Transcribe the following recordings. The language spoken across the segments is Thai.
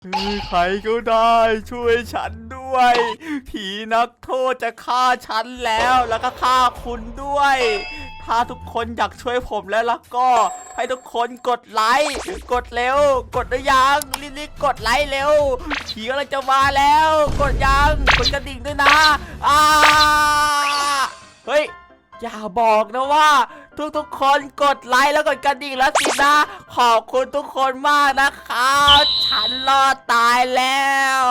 ใครก็ได้ช่วยฉันด้วยผีนักโทษจะฆ่าฉันแล้วก็ฆ่าคุณด้วยถ้าทุกคนอยากช่วยผมแล้วก็ให้ทุกคนกดไลค์กดเร็วกดหรือยังรีบๆกดไลค์เร็วผีกำลังจะมาแล้วกดยังกดกระดิ่งด้วยนะเฮ้ยอย่าบอกนะว่าทุกคนกดไลค์แล้วกดกระดิ่งแล้วสินะขอบคุณทุกคนมากนะครับฉันรอดตายแล้ว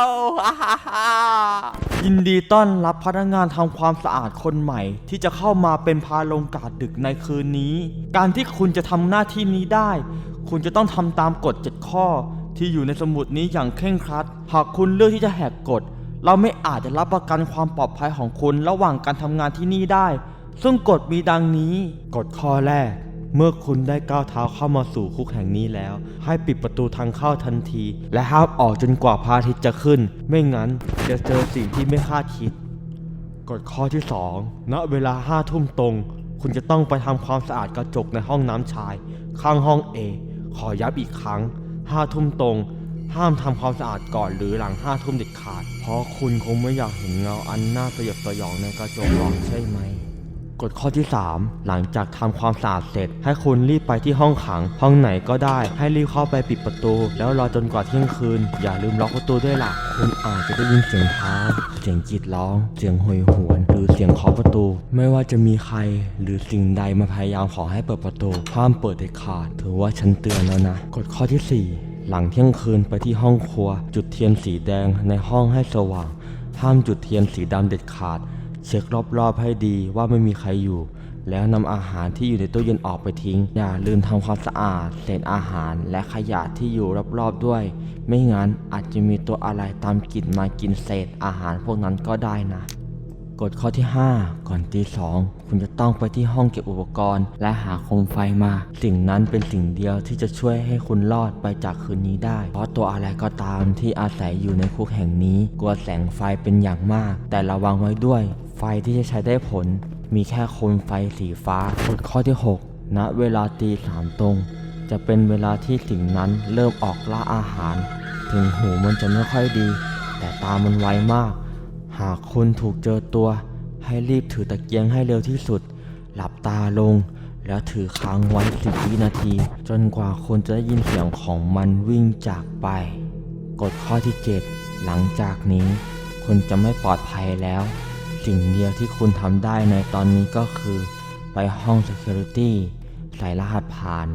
ยินดีต้อนรับพนักงานทำความสะอาดคนใหม่ที่จะเข้ามาเป็นพาลงกาดดึกในคืนนี้การที่คุณจะทำหน้าที่นี้ได้คุณจะต้องทำตามกฎ7ข้อที่อยู่ในสมุดนี้อย่างเคร่งครัดหากคุณเลือกที่จะแหกกฎเราไม่อาจจะรับประกันความปลอดภัยของคุณระหว่างการทำงานที่นี่ได้ซึ่งกฎมีดังนี้กฎข้อแรกเมื่อคุณได้ก้าวเท้าเข้ามาสู่คุกแห่งนี้แล้วให้ปิดประตูทางเข้าทันทีและห้ามออกจนกว่าพระอาทิตย์จะขึ้นไม่งั้นจะเจอสิ่งที่ไม่คาดคิดกฎข้อที่2ณเวลา5 ทุ่มตรงคุณจะต้องไปทำความสะอาดกระจกในห้องน้ำชายข้างห้อง A ขอย้ำอีกครั้ง5 ทุ่มตรงห้ามทำความสะอาดก่อนหรือหลัง5 ทุ่มเด็ดขาดเพราะคุณคงไม่อยากเห็นเงาอันน่าสยดสยองในกระจกหรอกใช่ไหมกฎข้อที่3หลังจากทำความสะอาดเสร็จให้คุณรีบไปที่ห้องขังห้องไหนก็ได้ให้รีบเข้าไปปิดประตูแล้วรอจนกว่าเที่ยงคืนอย่าลืมล็อกประตูด้วยล่ะคุณอาจจะได้ยินเสียงเท้าเสียงกรีดร้องเสียงโหยหวนหรือเสียงเคาะประตูไม่ว่าจะมีใครหรือสิ่งใดมาพยายามขอให้เปิดประตูห้ามเปิดเด็ดขาดถือว่าฉันเตือนแล้วนะกฎข้อที่4หลังเที่ยงคืนไปที่ห้องครัวจุดเทียนสีแดงในห้องให้สว่างห้ามจุดเทียนสีดำเด็ดขาดเช็ครอบๆให้ดีว่าไม่มีใครอยู่แล้วนำอาหารที่อยู่ในตู้เย็นออกไปทิ้งอย่าลืมทำความสะอาดเศษอาหารและขยะที่อยู่รอบๆด้วยไม่งั้นอาจจะมีตัวอะไรตามกลิ่นมากินเศษอาหารพวกนั้นก็ได้นะกฎข้อที่5ก่อนตี 2คุณจะต้องไปที่ห้องเก็บอุปกรณ์และหาโคมไฟมาสิ่งนั้นเป็นสิ่งเดียวที่จะช่วยให้คุณรอดไปจากคืนนี้ได้เพราะตัวอะไรก็ตามที่อาศัยอยู่ในคุกแห่งนี้กลัวแสงไฟเป็นอย่างมากแต่ระวังไว้ด้วยไฟที่จะใช้ได้ผลมีแค่โคมไฟสีฟ้ากฎข้อที่6ณเวลาตี 3ตรงจะเป็นเวลาที่สิ่งนั้นเริ่มออกล่าอาหารถึงหูมันจะไม่ค่อยดีแต่ตามันไวมากหากคุณถูกเจอตัวให้รีบถือตะเกียงให้เร็วที่สุดหลับตาลงแล้วถือค้างไว้10 วินาทีจนกว่าคุณจะได้ยินเสียงของมันวิ่งจากไปกฎข้อที่7หลังจากนี้คุณจะไม่ปลอดภัยแล้วสิ่งเดียวที่คุณทำได้ในตอนนี้ก็คือไปห้อง Security ใส่รหัสผ่าน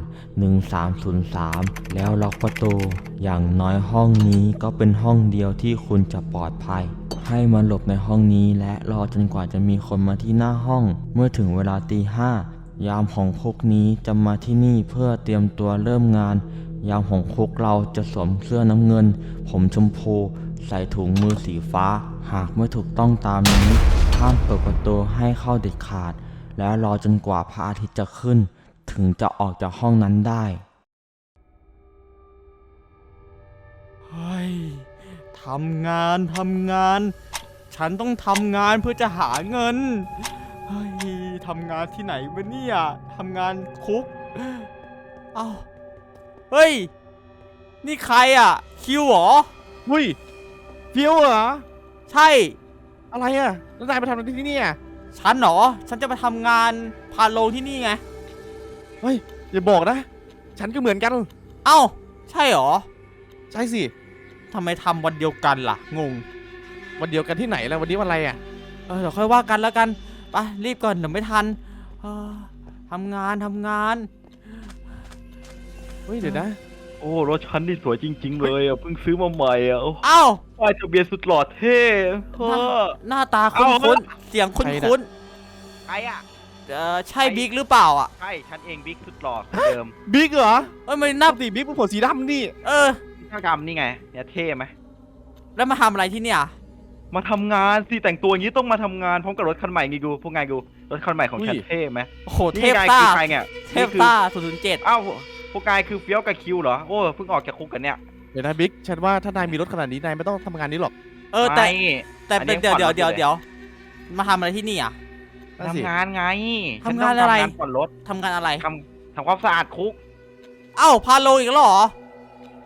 1303แล้วล็อกประตูอย่างน้อยห้องนี้ก็เป็นห้องเดียวที่คุณจะปลอดภัยให้มาหลบในห้องนี้และรอจนกว่าจะมีคนมาที่หน้าห้องเมื่อถึงเวลาตี 5ยามของคุกนี้จะมาที่นี่เพื่อเตรียมตัวเริ่มงานยามของคุกเราจะสวมเสื้อน้ำเงินผมชมพูใส่ถุงมือสีฟ้าหากไม่ถูกต้องตามนี้ห้ามเปิดประตูให้เข้าเด็ดขาดแล้วรอจนกว่าพระอาทิตย์จะขึ้นถึงจะออกจากห้องนั้นได้เฮ้ยทำงานฉันต้องทำงานเพื่อจะหาเงินเฮ้ยทำงานที่ไหนวะเนี่ยทำงานคุกเอ้าเฮ้ยนี่ใครอ่ะคิวเหรอหุ้ยฟิวเหรอใช่อะไรอ่ะแล้วนายมาทำอะไรที่นี่อ่ะฉันเหรอฉันจะมาทำงานพาโลงที่นี่ไงเฮ้ยอย่าบอกนะฉันก็เหมือนกันเอ้าใช่เหรอใช่สิทำไมทำวันเดียวกันล่ะงงวันเดียวกันที่ไหนแล้ววันนี้วันอะไรอ่ะเดี๋ยวค่อยว่ากันแล้วกันไปรีบก่อนเดี๋ยวไม่ทันทำงานเฮ้ยเดี๋ยวนะโอ้รถฉันนี่สวยจริงๆเลยอ่ะเพิ่งซื้อมาใหม่อ่ะเอ้าป้ายทะเบียนสุดหล่อเท่หน้าตาคุ้นเสียงคุ้นใครอ่ะใช่บิ๊กหรือเปล่าอ่ะใช่ฉันเองบิ๊กสุดหล่อเดิมบิ๊กเหรอไม่นับดิบิ๊กเป็นผมสีดำนี่ข้างดำนี่ไงเนี่ยเท่ไหมแล้วมาทำอะไรที่เนี่ยมาทำงานสิแต่งตัวอย่างนี้ต้องมาทำงานพร้อมกับรถคันใหม่ไงกูพวกไงกูรถคันใหม่ของฉันเท่ไหมโอ้โหเทพต้าใครเนี่ยเทพต้า007 อ้าวพวกไงคือเฟี้ยวกับคิวเหรอโอ้เพิ่งออกจากคุกกันเนี่ยเดี๋ยวนะบิ๊กฉันว่าถ้านายมีรถขนาดนี้นายไม่ต้องทำงานนี้หรอกแต่เดี๋ยวมาทำอะไรที่นี่อ่ะทำงานไงทำงานอะไรผ่อนรถทำงานอะไรทำความสะอาดคุกเอ้าพาโลอีกแล้วเหรอ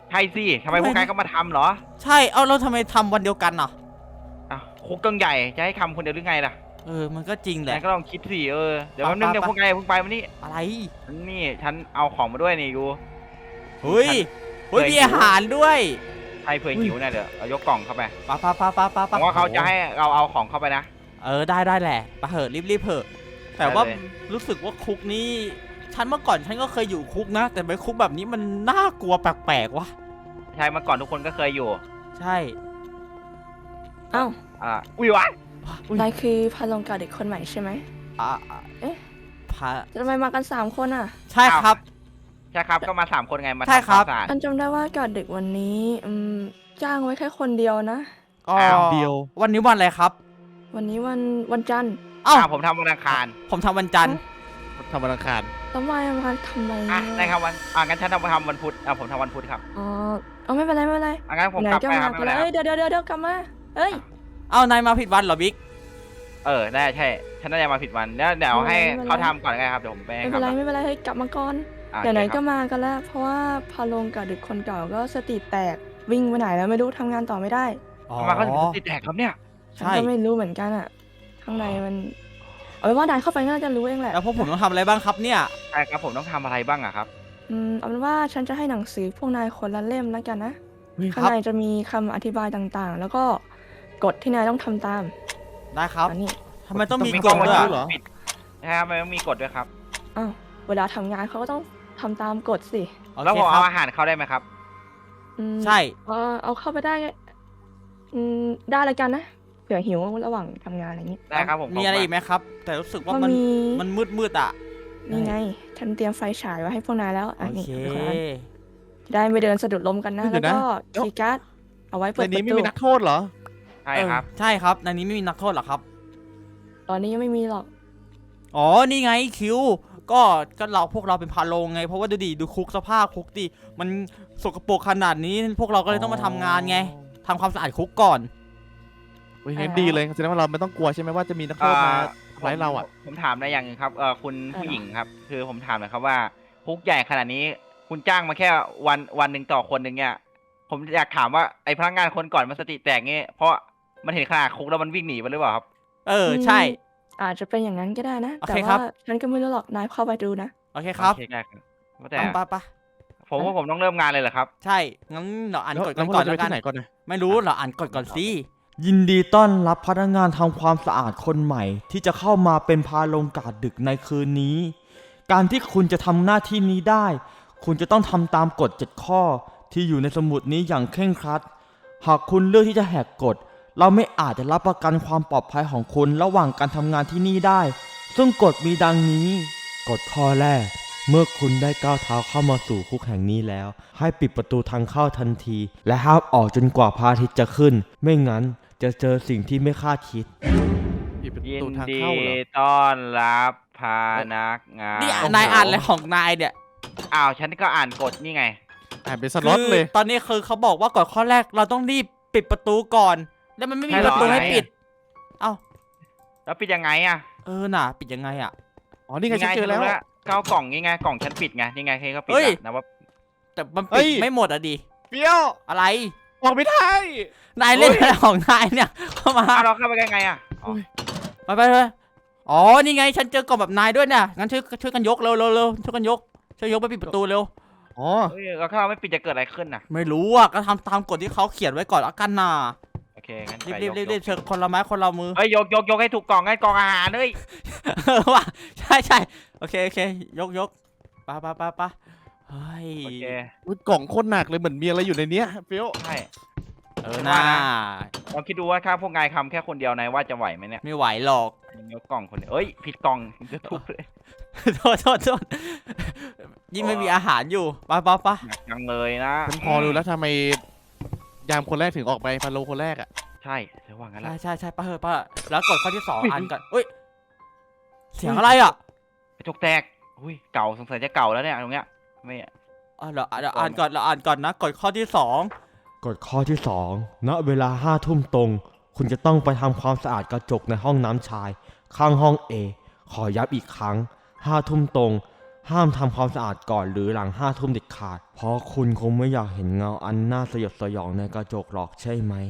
ใช่สิทำไมพวกนายก็มาทำเหรอใช่เอาเราทำไมทำวันเดียวกันอ่ะอ้าวคุกตั้งใหญ่จะให้ทำคนเดียวหรือไงล่ะมันก็จริงแหนาละยก็ลองคิดสิเดี๋ยวแป๊บนึงไปเดี๋ยวพวกนายเพิ่งไปมานี่อะไรฉันเอาของมาด้วยนี่ดูเฮ้ยเฮ้ยมีอาหารด้วยใครเผื่อหิวเนี่ยเดี๋ยวเอายกกล่องเข้าไปปะผมว่าเขาจะให้เราเอาของเข้าไปนะได้แหละไปะเหอะรีบเถอะแต่ว่าได้เลยรู้สึกว่าคุกนี้ฉันเมื่อก่อนฉันก็เคยอยู่คุกนะ แต่ไปคุกแบบนี้มันน่ากลัวแปลกๆวะใช่เมื่อก่อนทุกคนก็เคยอยู่ใช่อ้าวอุ้ยวะนายคือพาลงกาเด็กคนใหม่ใช่ไหมอ่ะเอ๊ะพาทำไมมากัน3คนอ่ะใช่ครับใช่ครับก็มา3 คนไงมาใช่ทำครัความบสะอาดอันจำได้ว่ากาเด็กวันนี้จ้างไว้แค่คนเดียวนะอ๋อเดียววันนี้วันอะไรครับวันนี้วันจันทร์เอ้าผมทำวันอังคารผมทำวันจันทร์ทำวันอังคารแล้วมาทำไมได้ครับงั้นฉันทำวันพุธผมทำวันพุธครับอ๋อเอาไม่เป็นไรงั้นผมไหนกลับก็ไปคมารับไม่กัเป็น นไรแล้วครับเดี๋ยวกลับมาเอ้ยเอ้านายมาผิดวันเหรอบิ๊กได้ใช่ฉันน่าจะมาผิดวันเดี๋ยวให้เขาทำก่อนไงครับเดี๋ยวผมไปให้ไม่เขาเป็นไรเฮ้ยกลับมาก่อนทำเดี๋ยวไหนโอเคคก็รับมากันแล้ว เพราะว่าพาลงกาเด็กคนเก่าก็สติแตกวิ่งไปไหนแล้วไม่รู้ทำงานต่อไม่ได้ทำไมเขาถึงติดแท็กครับเนี่ยฉันใช่ก็ไม่รู้เหมือนกันอ่ะ ข้างในมันเอาเป็นว่านายเข้าไปน่าจะรู้เองแหละแล้วพวกผมต้องทำอะไรบ้างครับเนี่ยใช่ครับผมต้องทำอะไรบ้างอะครับเอาเป็นว่าฉันจะให้หนังสือพวกนายคนละเล่มแล้วกันนะ ข้างครับในจะมีคำอธิบายต่างๆ แล้วก็กฎที่นายต้องทำตามได้ครับอันนี้ทำไมต้องมีมีกกฎฎด้วยด้วยอะเหรอ ใช่ครับมันต้องมีกฎด้วยครับอ้าวเวลาทำงานเขาก็ต้องทำตามกฎสิโอแล้วเคผมครัเอาบอาหารเข้าได้ไหมครับใช่เอาเข้าไปได้ได้เลยกันนะเผื่อหิวระหว่างทำงานอะไรอย่างนี้ได้ครับผมมีอะไรอีกไหมครับ แต่รู้สึกว่ามันมีมันมืดอ่ะนี่ไง ฉันเตรียมไฟฉายไว้ให้พวกนายแล้วโอนี่เคเป็นคนละอันจะได้ไม่เดินสะดุดล้มกันนะ แล้วก็คีย์การ์ดเอาไว้เปิในดปนี้ระไม่ตูมีนักโทษเหรอใช่ครับใช่ครับในนี้ไม่มีนักโทษหรอครับตอนนี้ยังไม่มีหรอกอ๋อ นี่ไงคิว ก็พวกเราเป็นพาโลงไง เพราะว่าดูคุกสภาพคุกดิ มันสกปรกขนาดนี้ พวกเราก็เลยต้องมาทำงานไงทำความสะอาดคุกก่อนเฮ้ยงั้นดีเลยแสดงว่าเราไม่ต้องกลัวใช่ไหมว่าจะมีนักโทษมาทำร้ายเราอ่ะผมถามในอย่างหนึงครับคุณผู้หญิงครับ คือผมถามหน่อยครับว่าคุกใหญ่ขนาดนี้ คุณจ้างมาแค่วันหนึ่งต่อคนหนึ่งเนี่ย ผมอยากถามว่าไอ้พนักงานคนก่อนมันสติแตกงี้เพราะมันเห็นขนาดคุกแล้วมันวิ่งหนีไปหรือเปล่าครับใช่อาจจะเป็นอย่างนั้นก็ได้นะโอแต่เคครัว่าบฉันก็ไม่รู้หรอก นายเข้าไปดูนะโอเคครับโอเคได้ครับแต่ไปผมว่าผมต้องเริ่มงานเลยเหรอครับใช่ งั้นเราอ่านแล้วกฎแล้กัวน พวกก่อเรานจะไปแล้วกัที่นไหนก่อนนะไม่รู้เราอ่านกฎก่อนสิยินดีต้อนรับพนักงานทำความสะอาดคนใหม่ ที่จะเข้ามาเป็นพาลงกาดดึกในคืนนี้ การที่คุณจะทำหน้าที่นี้ได้ คุณจะต้องทำตามกฎ7ข้อที่อยู่ในสมุดนี้อย่างเคร่งครัด หากคุณเลือกที่จะแหกกฎ เราไม่อาจจะรับประกันความปลอดภัยของคุณระหว่างการทำงานที่นี่ได้ ซึ่งกฎมีดังนี้ กฎข้อแรก เมื่อคุณได้ก้าวเท้าเข้ามาสู่คุกแห่งนี้แล้ว ให้ปิดประตูทางเข้าทันที และห้ามออกจนกว่าพระอาทิตย์จะขึ้น ไม่งั้นจะเจอสิ่งที่ไม่คาดคิดปิดประยินตูทางดีเข้าเหรอต้อนรับพนักงานนี่นายอ่านอะไรของนายเนี่ยอ้าวฉันก็อ่านกฎนี่ไงอ่านเป็นสล็อตเลยคือตอนนี้คือเขาบอกว่ากฎข้อแรกเราต้องรีบปิดประตูก่อน แล้วมันไม่มีใช่เหปรอระตูให้ไหนปิด เอ้าแล้วปิดยังไงอ่ะน่ะ ปิดยังไงอ่ะอ๋อนี่ไงฉันเจอแล้วก้าวกล่องนี่ไงกล่องฉันปิดไงนี่ไงเฮ้ยเขาปิดเฮ้ยแล้วนะว่าแต่มันเฮ้ปิดยไม่หมดอ่ะดิเปรี้ยวอะไรออกไม่ได้นายเล่นอะไรของนายเนี่ย เข้ามาอ้าวเราเข้าไปยังไงอ่ะอ๋อไปอ๋อ นี่ไง ฉันเจอกล่องแบบนายด้วยเนี่ย งั้นช่วยกันยกเร็วช่วยกันยก ช่วยยกไปปิดประตูเร็วอ๋อเฮ้ยเราถ้าเราไม่ปิดจะเกิดอะไรขึ้นน่ะไม่รู้อ่ะ ก็ทำตามกฎที่เขาเขียนไว้ก่อนละกันน่ะโอเคงั้นรีไปบยกเชิญคนละไม้คนละมือเฮ้ยยกให้ถูกกล่องให้กล่องอาหารเฮ้ยว่ะใช่โอเคยกไปเฮ้ยโอเคอุ๊ยกล่องโคตรหนักเลยเหมือนมีอะไรอยู่ในเนี้ยเปรี้ยวใช่น่าลองคิดดูว่าถ้าพวกนายทำแค่คนเดียวนายว่าจะไหวไหมเนี่ยไม่ไหวหรอกยกกล่องคนเดียวเอ้ยผิดกล่องจะทุบเลยโทษยิ่งไม่มีอาหารอยู่ไปหนักจังเลยนะฉันพอรู้แล้วทำไมยามคนแรกถึงออกไปพาโลคนแรกอ่ะใช่เดี๋ยวว่างั้นละใช่ป้าแล้วกดข้อที่2อ่านก่อนเฮ้ยเสียงอะไรอ่ะกระจกแตกอุ้ยเก่าสงสัยจะเก่าแล้วเนี่ยตรงเนี้ยไม่เดี๋ยวอ่านก่อนนะกดข้อที่2 กฎข้อที่ 2 ณ เวลา5 ทุ่มตรง คุณจะต้องไปทำความสะอาดกระจกในห้องน้ำชาย ข้างห้อง A ขอย้ำอีกครั้ง5 ทุ่มตรงห้ามทำความสะอาดก่อนหรือหลัง5 ทุ่มเด็ดขาด เพราะคุณคงไม่อยากเห็นเงาอันน่าสยดสยองในกระจกหรอกใช่ไหม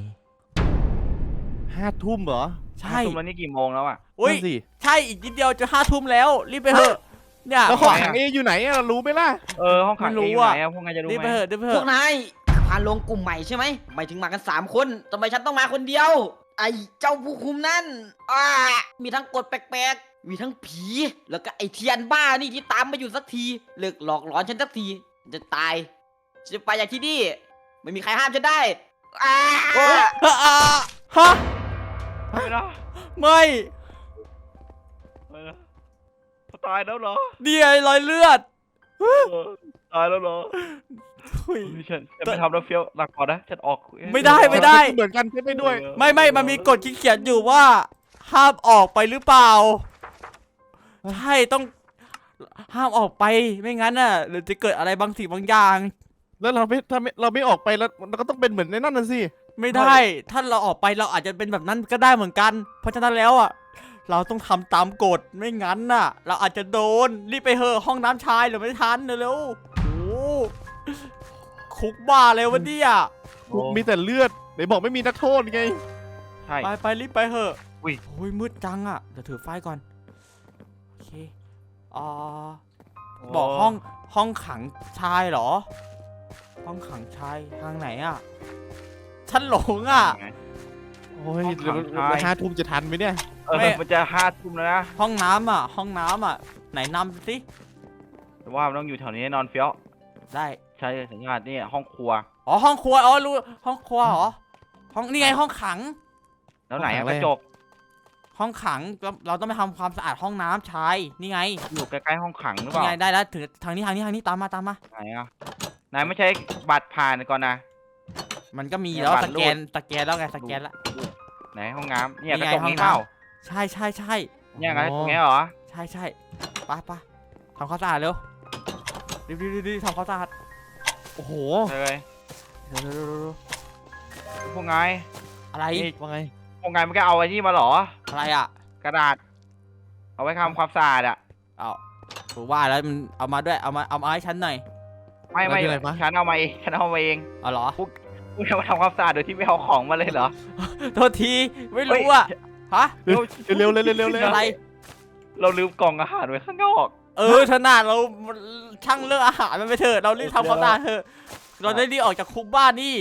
5 ทุ่มเหรอใช่ทุ่มแล้วนี่กี่โมงแล้วอ่ะอุ้ยนั่นสิใช่อีกนิดเดียวจะ5 ทุ่มแล้วรีบไปเถอะเนี่ยแล้วห้องขังเออยู่ไหนอะเรารู้ไหมล่ะห้องขังไม่รู้เองอยู่อะไหนอะพวกนายจะรู้รีบไหไปมเถอะรีบไปเถพวอะกนายพาลงกลุ่มใหม่ใช่ไหมหมายถึงมากัน3 คนทำไมฉันต้องมาคนเดียว ไอ้เจ้าผู้คุมนั่นมีทั้งกฎแปลกๆ มีทั้งผี แล้วก็ไอ้เทียนบ้านี่ที่ตามมาอยู่สักทีเลิกหลอกหลอนฉันสักทีจะตายฉันจะไปจากที่นี่ไม่มีใครห้ามฉันได้อ้าฮะไม่นะไม่ไม่นะตายแล้วเหรอเดียรอยเลือดตายแล้วเหรออุ้ยฉันไม่ทำแล้วเฟี้ยวหลักก่อนนะฉันออกไม่ได้เหมือนกันใช่ไหมด้วยไม่มันมีกฎที่เขียนอยู่ว่า ห้ามออกไปหรือเปล่าใช่ต้องห้ามออกไปไม่งั้นน่ะหรือจะเกิดอะไรบางสิ่งบางอย่างแล้วเราไม่ถ้าไม่เราไม่ออกไปแล้วเราก็ต้องเป็นเหมือนในนั่นน่ะสิไม่ได้ ถ้าเราออกไปเราอาจจะเป็นแบบนั้นก็ได้เหมือนกัน เพราะฉะนั้นแล้วอ่ะเราต้องทำตามกฎไม่งั้นน่ะ เราอาจจะโดนรีบไปเถอะห้องน้ำชายเดี๋ยวไม่ทันเร็วๆโอ้โหคุกบ้าเลยวะเนี่ยมีแต่เลือดไหนบอกไม่มีนักโทษไงใช่ไปรีบไปเถอะอุ้ยโอ้ยมืดจังอ่ะเดี๋ยวถือไฟก่อนโอเคอ่าบอกห้องขังชายเหรอ ห้องขังชายทางไหนอ่ะฉันหลงอ่ะโอ้ยห้องขังชาย 5 ทุ่มจะทันไหมเนี่ยไม่มันจะ5 ทุ่มแล้วนะห้องน้ำอ่ะไหนนำสิแต่ว่ามันต้องอยู่แถวนี้แน่นอนเฟี้ยวได้ใช่สัญญาณนี่ห้องครัวอ๋อห้องครัวอ๋อรู้ห้องครัวเหรอห้องนี่ไงห้องขังแล้วไหนห้องขังอะไรอะกระจกห้องขังเราต้องไปทำความสะอาดห้องน้ำชายนี่ไงอยู่ใกล้ๆห้องขังหรือเปนี่ล่าไงได้แล้วถึงทางนี้ตามมาไหนอะนายไม่ใช้บัตรผ่านก่อนนะมันก็มีเนี่ยแล้วบัตรสแกนแล้วไงสแกนแล้วไหนห้องน้ำเนี่ยนี่กระไงจกห้องนี้เปล่าน้ำ ใช่เนี่ยไงตรงเนี้ยเหรอใช่ไปทำความสะอาดเร็วรีบทำความสะอาดโอ้โหเลยเร็วพวกนายอะไรนี่ว่าไงพวกนายไม่ก็เอาไอ้นี่มาเหรออะไรอ่ะกระดาษ เอาไว้ทำความสะอาดอะเอาผมว่าแล้วมันเอามาด้วยเอามาให้ฉันหน่อยไม่แล้วคืออะไรวะฉันเอามาเองฉันเอามาเองเอาเหรอคุณจะมาทำความสะอาดโดยที่ไม่เอาของมาเลยเหรอโทษทีไม่รู้อ่ะฮะเร็วเลยเร็วเลยอะไรเราลืมกล่องอาหารไว้ข้างนอกถนัดเราช่างเรื่องอาหารมันไปเถอะเรารีบทำความสะอาดเถอะเราได้รีบออกจากคุกบ้านนี่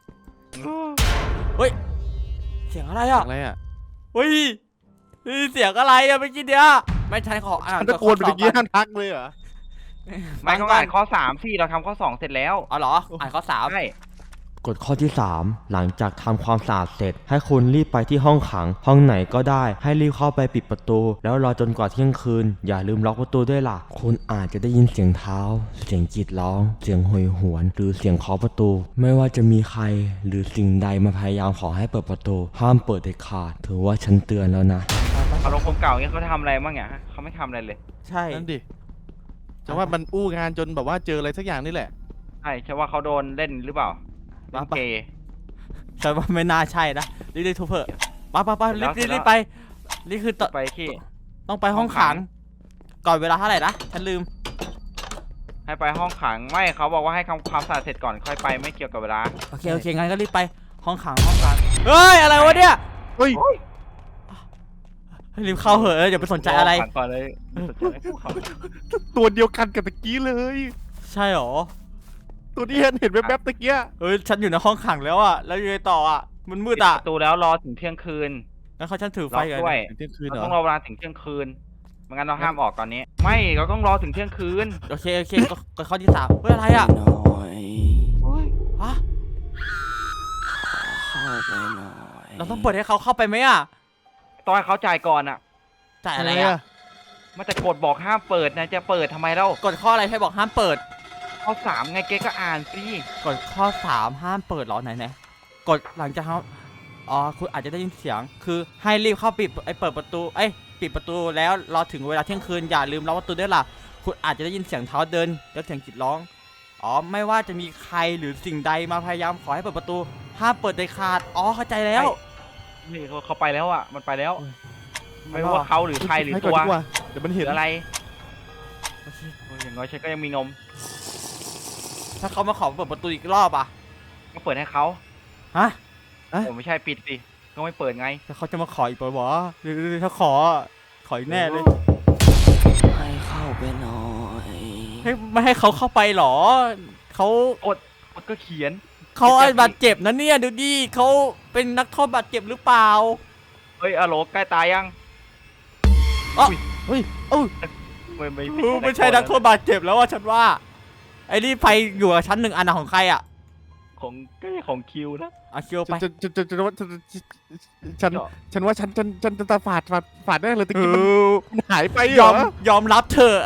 เสียงอะไรอ่ะอะไรอ่ะเฮ้ยนี่เสียงอะไรอ่ะเมื่อกี้เนี้ยไม่ใช่ขออ่านมันตะโกนไปเมื่อกี้ห้ามทักเลยเหรอไม่ต้องอ่านข้อ3สิเราทำข้อ2เสร็จแล้วอ๋อเหรออ่านข้อ3 ใช่กฎข้อที่ 3 หลังจากทำความสะอาดเสร็จ ให้คุณรีบไปที่ห้องขัง ห้องไหนก็ได้ ให้รีบเข้าไปปิดประตู แล้วรอจนกว่าเที่ยงคืน อย่าลืมล็อกประตูด้วยล่ะ คุณอาจจะได้ยินเสียงเท้า เสียงกรีดร้อง เสียงโหยหวน หรือเสียงเคาะประตู ไม่ว่าจะมีใครหรือสิ่งใดมาพยายามขอให้เปิดประตู ห้ามเปิดเด็ดขาด ถือว่าฉันเตือนแล้วนะอารมณ์คนเก่าเงี้ยเขาทำอะไรบ้างเนี่ยฮะเขาไม่ทำอะไรเลยใช่นั่นดิแต่ว่ามันอู้งานจนแบบว่าเจออะไรสักอย่างนี่แหละใช่ใช่ว่าเขาโดนเล่นหรือเปล่าเล่นเกย์ฉันว่าไม่น่าใช่นะรีบทุบเถอะไปรีบไปนี่คือไปที่ต้องไปห้องขัง ก่อนเวลาเท่าไหร่นะฉันลืมให้ไปห้องขังไม่เขาบอกว่าให้ทำความสะอาดเสร็จก่อนค่อยไปไม่เกี่ยวกับเวลาโอเคงั้นก็รีบไปห้องขังเฮ้ยอะไรวะเนี่ยเฮ้ยรีบเข้าเหอะอย่าไปสนใจอะไรห้งขังก่อนเลยไม่สนใจอะไรพวกเขาตัวเดียวกันกับตะกี้เลยใช่หรอตัวที่เห็นแวบๆตะกี้ฉันอยู่ในห้องขังแล้วอ่ะแล้วยังไงต่ออ่ะมันมืดปิดอ่ะประตูแล้วรอถึงเที่ยงคืนงั้นเขาฉันถือไฟล็อกกันด้วยเที่ยงคืนเราเหรต้องรออเวลาถึงเที่ยงคืนไม่งั้นเราห้ามออกตอนนี้ ไม่เราต้องรอถึงเที่ยงคืนโอเคก็ข้อที่3เฮ้ยอะไรอ่ะหน่อยฮะเข้าไปหน่อยเราต้องเปิดให้เขาเข้าไปไหมอ่ะต้องให้เขาจ่ายก่อนอ่ะจ่ายอะไรอะไรอ่ะอ่ะมันจะกดบอกห้ามเปิดนะจะเปิดทำไมเล่ากฎข้ออะไรให้บอกห้ามเปิดข้อ3ไงเก๊ก็อ่านสิกฎข้อ3ห้ามเปิดเหรอไหนกฎหลังจากเขาคุณอาจจะได้ยินเสียงคือให้รีบเข้าเปิดประตูปิดประตูแล้วรอถึงเวลาเที่ยงคืนอย่าลืมล็อกประตูด้วยล่ะคุณอาจจะได้ยินเสียงเท้าเดินแล้วเสียงกรีดร้องไม่ว่าจะมีใครหรือสิ่งใดมาพยายามขอให้เปิดประตูห้ามเปิดเด็ดขาดเข้าใจแล้วนี่เขาไปแล้วอ่ะมันไปแล้ว ไม่ว่าเขาหรือใครหรือให้ตัก่อนวดีกว่าเดี๋ยวมันหเห็รืนออะไรโอเคโอ้ยอย่างอย่างน้อยฉันก็ยังมีนมถ้าเขามาขอเปิดประตูอีกรอบอ่ะก็เปิดให้เขาฮะผมไม่ใช่ปิดสิก็ไม่เปิดไงถ้าเขาจะมาขออีกเปิดวะหรือถ้าขออีกแน่เลยให้เข้าไปหน่อยไม่ให้เขาเข้าไปหรอเขามันก็เขียนเขาบาดเจ็บนะเนี่ยดูดิเขาเป็นนักโทษบาดเจ็บหรือเปล่าเฮ้ยอะโหลใกล้ตายยังเฮ้ยเอ้าไม่ใช่นักโทษบาดเจ็บแล้วว่าฉันว่าไอ้นี่ไฟอยู่กับชั้นหนึ่งอันนะของใครอ่ะของก็ของคิวนะเอาคิวไปฉันว่าฉันจะตาฝาดได้เลยตะเอกี้อมันหายไปยเหรออมยอมรับเถอะ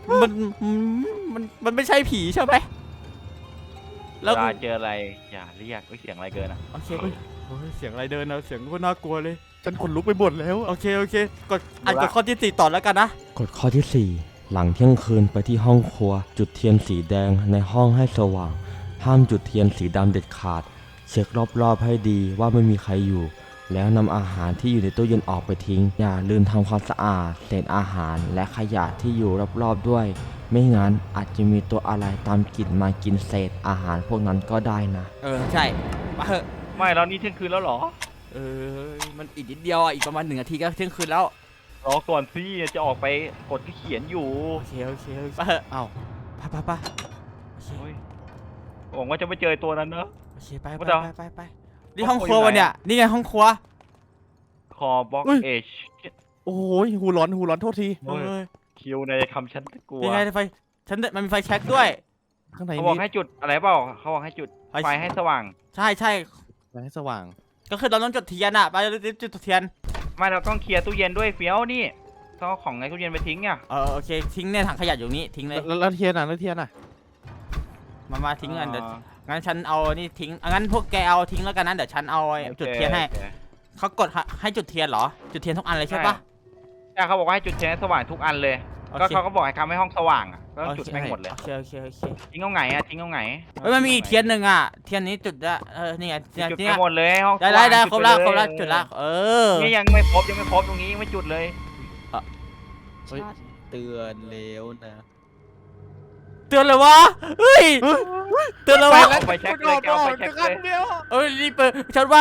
มันไม่ใช่ผีใช่ไหมแล้วเวลาเจออะไรอย่าเรียกเสียงอะไรเกินอ่ะโอเคโอ้ยเสียงอะไรเดินนะเสียงก็น่ากลัวเลยฉันขนลุกไปหมดแล้วโอเคกดอ่านกดข้อที่4ต่อแล้วกันนะกฎข้อที่ 4 หลังเที่ยงคืนไปที่ห้องครัว จุดเทียนสีแดงในห้องให้สว่าง ห้ามจุดเทียนสีดำเด็ดขาด เช็ครอบๆให้ดีว่าไม่มีใครอยู่ แล้วนำอาหารที่อยู่ในตู้เย็นออกไปทิ้ง อย่าลืมทำความสะอาดเศษอาหารและขยะที่อยู่รอบๆด้วย ไม่งั้นอาจจะมีตัวอะไรตามกลิ่นมากินเศษอาหารพวกนั้นก็ได้นะใช่มาเถอะไม่แล้วนี่เที่ยงคืนแล้วเหรอมันอีกนิดเดียวอ่ะอีกประมาณ1 นาทีก็เที่ยงคืนแล้วรอก่อนสิจะออกไปกดที่เขียนอยู่โอเคมาเถอะเอ้าไปโอเคเฮ้ยหวังว่าจะไม่เจอตัวนั้นเนอะโอเคไปว่าเดี๋ยวนี่ห้องครัววะเนี่ยนี่ไงห้องครัวคอบล็อกเอชโอ้โหหูร้อนโทษทีโอ้ย คิวในคำฉันก็กลัวนี่ไงไฟมันมีไฟแช็กด้วยข้างในเขาบอกมีให้จุดอะไรเปล่าเขาบอกให้จุดไฟให้สว่างใช่ไฟให้สว่างก็คือเราต้องจุดเทียนอ่ะไปจุดเทียนไม่เราต้องเคลียร์ตู้เย็นด้วยเฟี้ยวนี่ต้องเอาของในตู้เย็นไปทิ้งอ่ะโอเคทิ้งในถังขยะอยู่นี้ทิ้งเลยแล้วเทียนอ่ะแล้วเทียนอ่ะมาทิ้งกันเดี๋ยวงั้นฉันเอานี่ทิ้งงั้นพวกแกเอาทิ้งแล้วกันนะเดี๋ยวฉันเอาจุดเทียนให้โอคเขากดให้จุดเทียนเหรอจุดเทียนทุกอันเลยใช่ปะใช่เขาบอกว่าให้จุดเทียนให้สว่างทุกอันเลยโอก็เคเขาก็บอกให้ทำให้ห้องสว่างอ่ะก็ต้องจุดให้หมดเลยโอเคทิ้งเอาไงอ่ะทิ้งเอาไงเฮ้ยมันมีอีกเทียนหนึ่งอ่ะเทียนนี้จุดละนี่ไงจุดนี่ไปไงหมดเลยห้องสได้ว่างครบละจุดไปเยจุดละนี่ยังไม่ครบตรงนี้ยังไม่จุดเลยเฮ้ย เตือนแล้วนะเตือนเลยวะเฮ้ยเตือนเลยวะเอาไปเช็คเลยเอาไปเช็คเลยรีบเปิดฉันว่า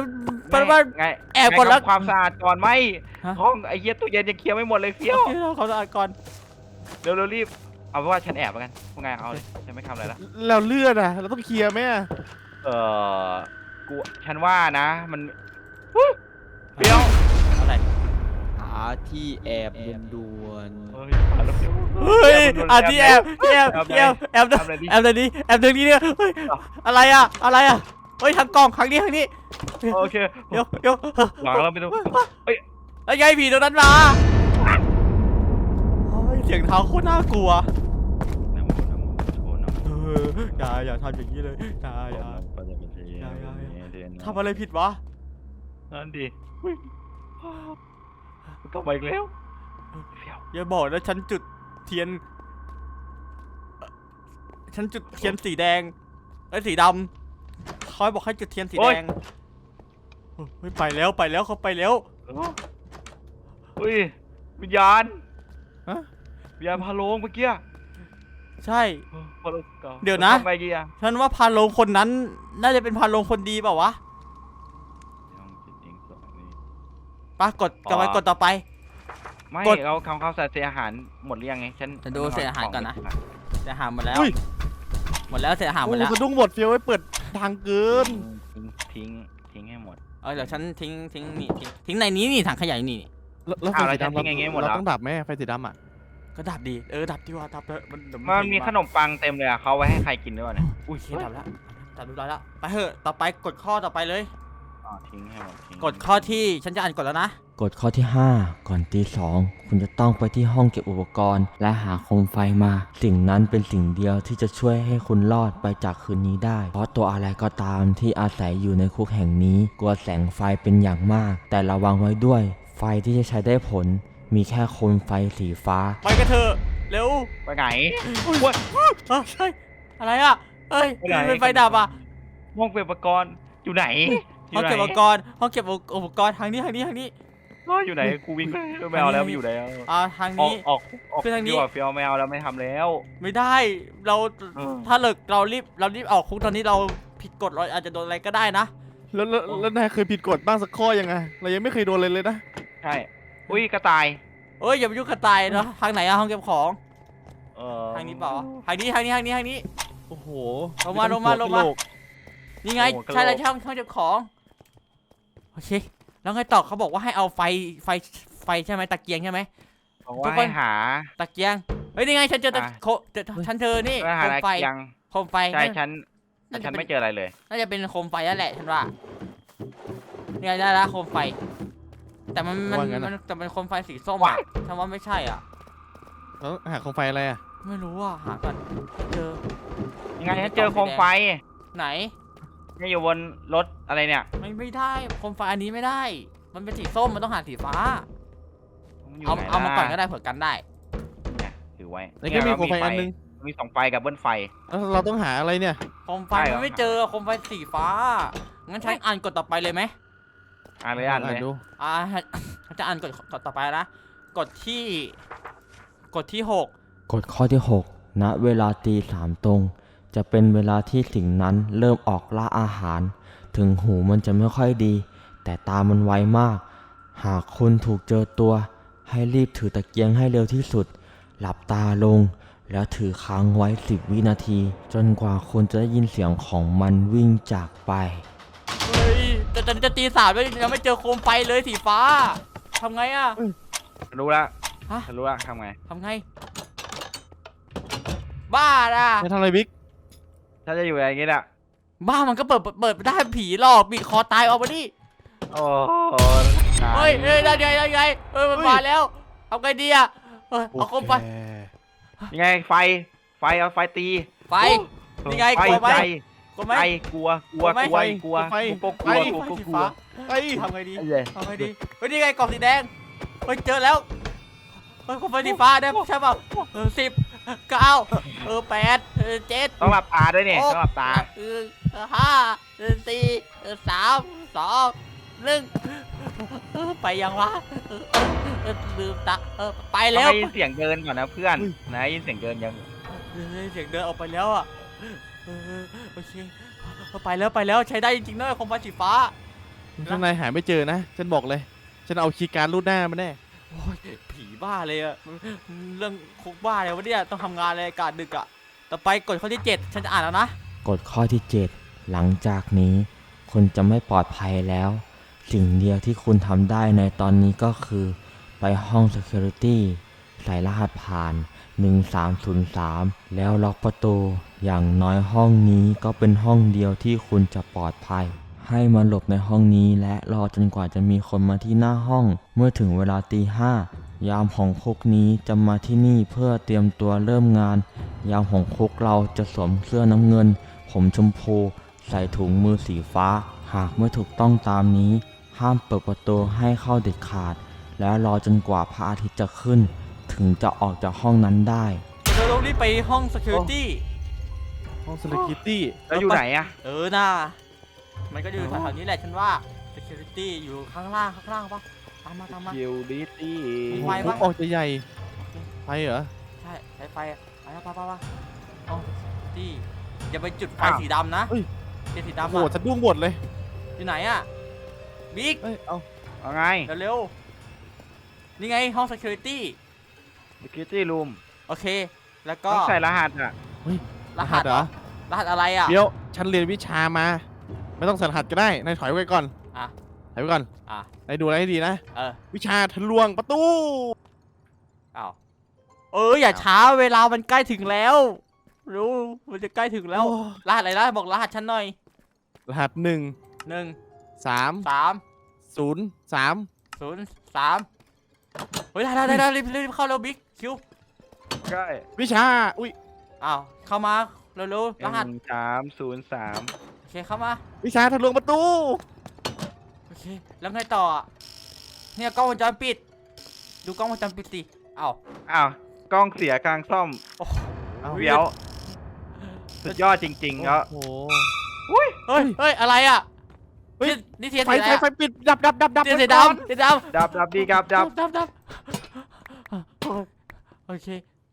ไงแอบก่อนแล้วทำความสะอาดก่อนไหมฮะห้องไอ้เหี้ยตู้เย็นยังเคลียร์ไม่หมดเลยเฟี้ยวโอเคเราเขาสะอาดก่อนเร็วรีบเอาเป็นว่าฉันแอบแล้วกันพวกไงเอาเลยฉันไม่ทำอะไรละแล้วเลือดอ่ะเราต้องเคลียร์ไหมอ่ะกูฉันว่านะมันเฟี้ยวอะไรหาที่แอบด่วนเฮ้ยผ่านแล้วเฟี้ยวเฮ้ยที่แอบแอบเดี๋ยวนี้เนี่ยเฮ้ยอะไรอ่ะเฮ้ยทางกล่องครั้งนี้โอเคเดี๋ยวหลังเราไปดูเฮ้ยแล้วไงผีตรงนั้นมาเสียงเท้าโคตรน่ากลัวอย่าทำอย่างนี้เลยอย่าทำอะไรผิดวะนั่นดิก็ไปอีกแล้วเฟี้ยวอย่าบอกนะฉันจุดเทียนสีแดงสีดำเขาบอกให้จุดเทียนสีแดงเฮ้ยไปแล้วเขาไปแล้วอุ้ยวิญญาณวิญญาณพาโลงเมื่อกี้ใช่พาโลงเดี๋ยวนะทำไงดีอะฉันว่าพานโรงคนนั้นน่าจะเป็นพานโรงคนดีเปล่าวะปะกดต่อไปไม่กดเราทำข้าวสารเสียอาหารหมดหรือยังไงฉันจะดูเศษอาหารก่อนนะ เสียหายหมดแล้วอุ้ยเสียหายหมโอ้ดโหแล้วสะดุ้งหมดเฟี้ยวไว้เปิดทางเกินทิ้งให้หมดเดี๋ยวฉันทิ้งนี่ทิ้งในนี้นี่ถังขยะนี่แล้วไฟอ้าวสีดำแล้วจะทิ้งอย่างงี้หมดเหรอเราต้องดับไหมไฟสีดำอ่ะก็ดับดีดับดีว่าดับเลยเดี๋ยวมันมีขนมปังเต็มเลยอะเขาไว้ให้ใครกินด้วยวะเนี่ยอุ้ยดับแล้วดับเรียบร้อยแล้วไปเถอะต่อไปกดข้อต่อไปเลยทิ้งให้หมดทิ้งกดข้อที่ฉันจะอ่านกดแล้วนะกฎข้อที่ 5 ก่อนตี 2 คุณจะต้องไปที่ห้องเก็บอุปกรณ์ และหาโคมไฟมา สิ่งนั้นเป็นสิ่งเดียวที่จะช่วยให้คุณรอดไปจากคืนนี้ได้ เพราะตัวอะไรก็ตามที่อาศัยอยู่ในคุกแห่งนี้ กลัวแสงไฟเป็นอย่างมาก แต่ระวังไว้ด้วย ไฟที่จะใช้ได้ผล มีแค่โคมไฟสีฟ้าไปกันเถอะเร็วไปไหนใช่อะไรอ่ะเอ้ยไปไหนเป็นไฟดับอ่ะห้องเก็บอุปกรณ์อยู่ไหนห้องเก็บอุปกรณ์ทางนี้อยู่ไหนกูวิ่งไม่เอาแล้วไม่อยู่แล้วทางออกนี้ออกออกคือทางนี้ดีกว่าเฟียวไม่เอาแล้วไม่ทำแล้วไม่ได้เราเออถ้าเลิกเรารีบออกคุกตอนนี้เราผิดกฎเราอาจจะโดนอะไรก็ได้นะแล้วนายเคยผิดกฎบ้างสักข้อยังไงเรายังไม่เคยโดนเลยนะใช่อุ้ยกระต่ายเอ้ยอย่าไปยุ่งกระต่ายนะทางไหนอะห้องเก็บของเออทางนี้เปล่าทางนี้โอ้โหลงมาไต้องลงมาหัวกะโหลกนี่ไงใช่แล้วช่องเก็บของโอเคแล้วไงต่อเขาบอกว่าให้เอาไฟใช่ไหมตะเกียงใช่ไหมบอกทุว่ากคนให้หาตะเกียงเฮ้ยนี่ไงฉันเจอตะอ่ะฉันเจอนี่เพื่อโคหาม ตะไฟเกียงโคมไฟใช่น่าฉันน่าจะฉันเป็นไม่เจออะไรเลยน่าจะเป็นโคมไฟนั่นแหละฉันว่านี่ไงได้แล้วโคมไฟ แต่มันแต่เป็นโคมไฟสีส้มอะฉันว่าไม่ใช่อ่ะแล้วหาโคมไฟอะไรอ่ะไม่รู้อ่ะหาก่อนเจอยังไงฉันเจอโคมไฟไหนเนี่ยอยู่บนรถอะไรเนี่ยไม่ได้โคมไฟอันนี้ไม่ได้ มันเป็นสีส้มมันต้องหาสีฟ้ามันอยู่เอาไหนเอามาก่อนก็ล่ะได้เผื่อกันได้เนี่ยถือไว้แล้วก็มีโคมไฟอันนึงมี2 ไฟกับเบิ้ลไฟแล้วเราต้องหาอะไรเนี่ยโคมไฟใช่เหรอมันไม่เจอโคมไฟสีฟ้างั้นฉันอ่านกฎต่อไปเลยไหมอ่านเลยอ่านเลยดูฉันจะอ่านกฎต่อไปนะกฎที่หกกฎข้อที่ 6 ณ เวลาตี3ตรง จะเป็นเวลาที่สิ่งนั้นเริ่มออกล่าอาหาร ถึงหูมันจะไม่ค่อยดี แต่ตามันไวมาก หากคุณถูกเจอตัว ให้รีบถือตะเกียงให้เร็วที่สุด หลับตาลง แล้วถือค้างไว้10 วินาที จนกว่าคุณจะได้ยินเสียงของมันวิ่งจากไปเฮ้ยแต่ตอนนี้จะตีสามแล้วยังไม่เจอโคมไฟเลยสีฟ้าทำไงอะรู้ละฮะฉันรู้ละทำไงทำไง บ้าน่ะไม่ทำอะไรบิ๊กถ้าจะอยู่อย่างงี้น่ะบ้ามันก็เปิดไม่ได้ผีหลอกบีบคอตายออกมาดิโอ้โหเฮ้ยได้ไงมันมาแล้วเอาไงดีอะเอาโคมไฟยังไงไฟเอาไฟตีไฟนี่ไงไฟกลัวไหมใจกลัวไหมไฟกลัวกลัวไหมกลัวไฟกูก็กลัวกูก็กลัวไอ้ทำไงดีไอ้เหี้ยทำไงดีเฮ้ยนี่ไงกล่องสีแดงเฮ้ยเจอแล้วเฮ้ยโคมไฟสีฟ้าได้ใช่ป่ะ10 9 8 7 ต้องหลับตาด้วยเนี่ยต้องหลับตา 5 4 3 2 1ไปยังวะลืมตาไปต้แล้องวได้ยินเสียงเดินก่อนนะเพื่อนนะได้ยินเสียงเดินยังเสียงเดินออกไปแล้วอ่ะโอเคไปแล้วใช้ได้จริงๆนะโคมไฟสีฟ้าข้างในหาไม่เจอนะ ฉันบอกเลย ฉันเอาคีย์การ์ดรูดหน้ามาแน่โอ้ยผีบ้าเลยอะเรื่องคุกบ้าเลยวะเนี่ยต้องทำงานเลยอากาศดึกอะต่อไปกฎข้อที่ 7 ฉันจะอ่านแล้วนะกฎข้อที่ 7 หลังจากนี้คุณจะไม่ปลอดภัยแล้ว สิ่งเดียวที่คุณทำได้ในตอนนี้ก็คือ ไปห้อง Security ใส่รหัสผ่าน 1303 แล้วล็อกประตู อย่างน้อยห้องนี้ก็เป็นห้องเดียวที่คุณจะปลอดภัย ให้มาหลบในห้องนี้และรอจนกว่าจะมีคนมาที่หน้าห้อง เมื่อถึงเวลาตี 5 ยามของคุกนี้จะมาที่นี่เพื่อเตรียมตัวเริ่มงาน ยามของคุกเราจะสวมเสื้อน้ำเงิน ผมชมพู ใส่ถุงมือสีฟ้า หากไม่ถูกต้องตามนี้ ห้ามเปิดประตูให้เข้าเด็ดขาด แล้วรอจนกว่าพระอาทิตย์จะขึ้น ถึงจะออกจากห้องนั้นได้เราต้องรีบไปห้อง security ห้องสเลคิตี้แล้วอยู่ไหนอะน่ามันก็อยู่แถวๆนี้แหละฉันว่า security อยู่ข้างล่างปะตามมาคิวดิตี้มีโอ้ไฟโหปะออกจะใหญ่ไปเหรอใช่ใช้ไฟอะไปห้อง security อย่าไปจุดไฟสีดำนะเฮ้ยเจสีโอ้ดำโหอะสะดุ้งหมดเลยอยู่ไหนอะบิ๊กเอ้ย เอาเอาไงเร็วๆนี่ไงห้อง security security room โอเค แล้วก็ต้องใส่รหัสอะรหัสเหรอรหัสอะไรอ่ะเดี๋ยว ฉันเรียนวิชามา ไม่ต้องใส่รหัสก็ได้ นายถอยไว้ก่อนอ่ะถอยไว้ก่อนอ่ะนายดูอะไรให้ดีนะเออวิชาทะลวงประตูอ้าวอย่าช้าเวลามันใกล้ถึงแล้วรู้มันจะใกล้ถึงแล้วโอ้รหัสอะไรนะบอกรหัสฉันหน่อยรหัส1 1 3 3 0 3 0 3เฮ้ยได้รีบเข้าเร็วบิ๊กคิวใช่วิชา อุ้ยอ้าวเข้ามาเร็วๆรหัส 1303 โอเคเข้ามาวิชาทะลวงประตูโอเคแล้วไงต่ออะเนี่ยกล้องวงจรปิด ดูกล้องวงจรปิดสิอ้าวอ้าวกล้องเสียกลางซ่อมโอ้โหเอาเวียวสุดยอดจริงๆแล้วโอ้โหเฮ้ยอะไรอ่ะเฮ้ยนนี่เทียนไฟสีอะไรไฟปิดดับเทียนสีก่อนดำเทียนดำดับดีครับดับดับโอเค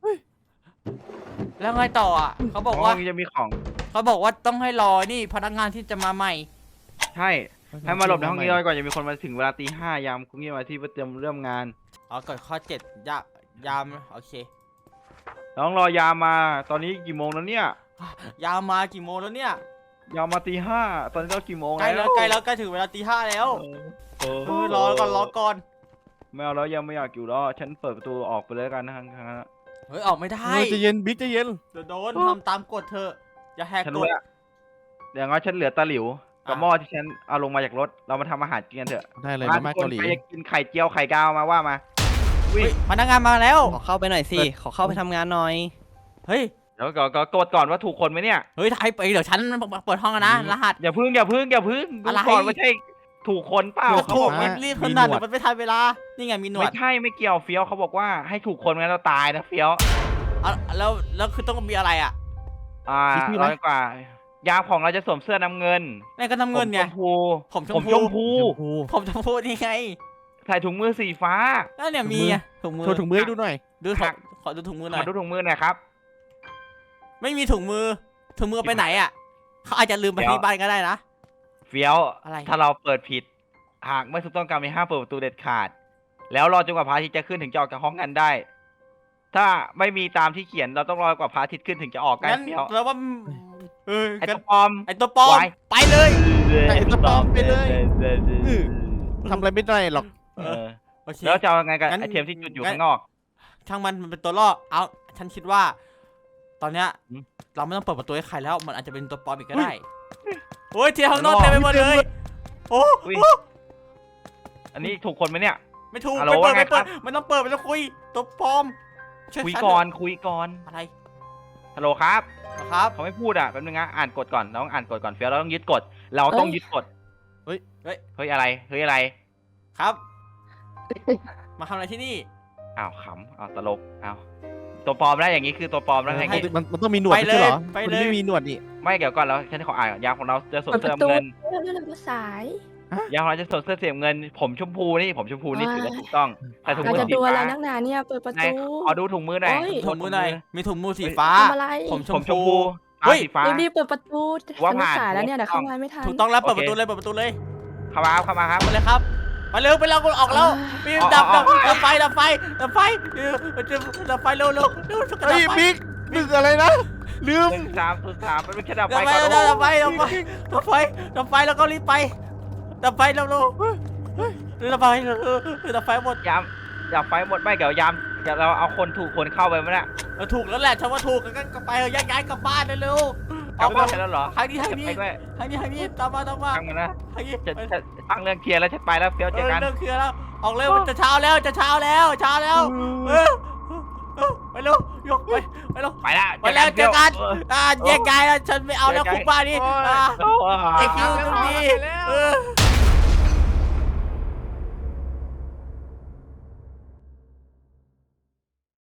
แล้วไงต่ออ่ะเขาบอกว่าห้องจะมีของเขาบอกว่าต้องให้รอนี่พนักงานที่จะมาใหม่ใช่ให้มาหลบในห้องนี้ก่อนจะมีคนมาถึงเวลาตี 5ยามคุณยี่มาที่เพื่อเตรียมเริ่มงานอ๋อกดข้อ7ยามโอเคต้องรอยามมาตอนนี้กี่โมงแล้วเนี่ยยามมากี่โมงแล้วเนี่ยยามมาตี 5ตอนนี้เรากี่โมงใกล้แล้แล้ว วใกล้แล้วใกล้ถึงเวลาตี 5แล้วเออรอก่อนไม่เอาแล้วยังไม่อยากอยู่แล้วฉันเปิดประตูออกไปเลยแล้วกันนะเฮ้ยออกไม่ได้ใจะเย็นบิ๊กใจะเย็นเดี๋ยวโดนทำตามกฎเธอะอย่าแหกฉันกรู้ฎแล้วอย่างน้อยฉันเหลือตะหลิวกับอ่ะหม้อที่ฉันเอาลงมาจากรถเรามาทำอาหารกินกันเถอะได้เลยมามาม่าทุกคเกาน หลีใครจะกินไข่เจียวไข่ดาวมาว่ามาเฮ้ยพนักงานมาแล้วขอเข้าไปหน่อยสิ ขอเข้าไปทำงานหน่อยเฮ้ยเดี๋ยวก็กดก่อนว่าถูกคนไหมเนี่ยเฮ้ยไทยไปเดี๋ยวฉันเปิดห้องแล้วนะรหัสอย่าพึ่งดูอะไรก่อนว่าใช่ถูกคนเปล่าก็เขาถูบกอกมัว่านรีบขนาดเดี๋ยวมันไม่ทันเวลานี่ไงมีหนวไม่ดใช่ไม่เกี่ยวเฟี้ยวเขาบอกว่าให้ถูกคนงั้นเราตายนะเฟี้ยวอ่ะแล้วคือต้องมีอะไรอ่ะร้อยกว่ายามของเราจะสวมเสื้อน้ำเงินนี่ก็น้ำเงินไงผมชผมมชพูมพูชมพูผมจะพูดนี่ไงใส่ถุงมือสีฟ้าแล้วเนี่ยมีอ่ะถุงมือโชว์ถุงมือให้ดูหน่อยดูขอดูถุงมือหน่มาอยดูถุงมือหน่อยครับไม่มีถุงมือไปไหนอ่ะเขาอาจจะลืมไปที่บ้านก็ได้นะเฟี้ยวอะไรถ้าเราเปิดผิด หากไม่ถูกต้องการมีห้ามเปิดประตูเด็ดขาด แล้วรอจนกว่าพระอาทิตย์จะขึ้นถึงจะออกจากห้องกันได้ ถ้าไม่มีตามที่เขียนเราต้องรอกว่าพระอาทิตย์ขึ้นถึงจะออกกันงั้นเฟี้ยวแล้วว่าเออไอ้ตัวปลอมไอตัวปลอมไว้ไปเลยไอ้ตัวปลอมไปเลยทำอะไรไม่ได้หรอกเออโอเคแล้วจะเอาไงกับงั้นไอเทมที่จุดอยู่งั้นข้างนอกช่างมันเป็นตัวล่อเอาฉันคิดว่า ตอนเนี้ยอืมเราไม่ต้องเปิดประตูให้ใครแล้ว มันอาจจะเป็นตัวปลอมอีกก็ได้โอ้ยที่ข้างนอกเต็มไปหมดเลยโอ้อุ้ยอันนี้ถูกคนไหมเนี่ยไม่ถูกฮัลโหลไม่เปิดว่าไงครับไม่ต้องเปิดไม่ต้องคุยตัวปลอมช่วยคุยฉันก่อนเถคุยก่อนอะอะไรฮัลโหลครับเหรอครับเขาไม่พูดอ่ะแป๊บนึงนะอ่านกฎก่อนเราต้องอ่านกฎก่อนเฟี้ยวเราต้องยึดกฎเราต้องยึดกฎเฮ้ยเฮ้ยอะไรเฮ้ยอะไรครับ มาทำอะไรที่นี่อ้าวขำอ้าวตลกอ้าวตัวปลอมแล้วอย่างนี้คือตัวปลอมแล้วไงให้มันต้องมีหนวดไปไม่ใช่เหรอเลยไปมันเลยไม่มีหนวดนี่ไม่เดี๋ยวก่อนแล้วฉันขออ่านก่อนยามของเราจะสวมเปิดปเสื้อระตูเงินเรื่องภาษายยามของเราจะสวมเสื้อสีเงิน ผมชมพูนี่ผมชมพูนี่ถือว่าถูกต้องแต่ถุงเรามือจะสีดูอะไรฟ้านักหนาเนี่ยเปิดประไหนตูขอดูถุงมือหน่อยโอ้ยถุงมือหน่อยมีถุงมือสีฟ้าทำอะไรผมชผมมชมพูพูเฮ้ยสีฟ้ารีบๆเปิดประตูว่าฉันไม่ผ่านสายแล้วเนี่ยเดี๋ยวเข้ามาไม่ทันถูกต้องแล้วโอเคเปิดประตูเลยเปิดประตูเลยเข้ามาครับเข้ามาครับมาเลยครับมาเร็วไปแล้วออกแล้วปีนดับไฟดับไฟดับไฟเร็วช่วยกันเฮ้ยดับไฟบิ๊กดึกอะไรนะลืม 1 3 0 3มันเป็นแค่ดับดัไฟบไฟก่อนดับไฟแล้วก็รีบไปดับไฟเร็วดับไฟหมดยามดับไฟหมดไม่เดี๋ยวยามเดี๋ยวเราเอาคนถูกคนเข้าไปมั้ยเนี่ยถูกแล้วแหละฉันว่าถูกกันก็ไปย้ายกลับบ้านเร็วเอาไปใช่แล้วเหรอทางนี้ไปด้วยตามมาตั้งมันนะทางนี้จะตั้งเรื่องเคลียร์แล้วฉันไปแล้วเฟี้ยวเจอกันเรื่องเคลียร์แล้วออกเร็วจะเช้าแล้วไปเร็วยกไปเร็วไปแล้วไปแล้วเจอกันแยกย้ายแล้วฉันไม่เอาแล้วคุกบ้านนี้โอ้ยไอคิวตรงนี้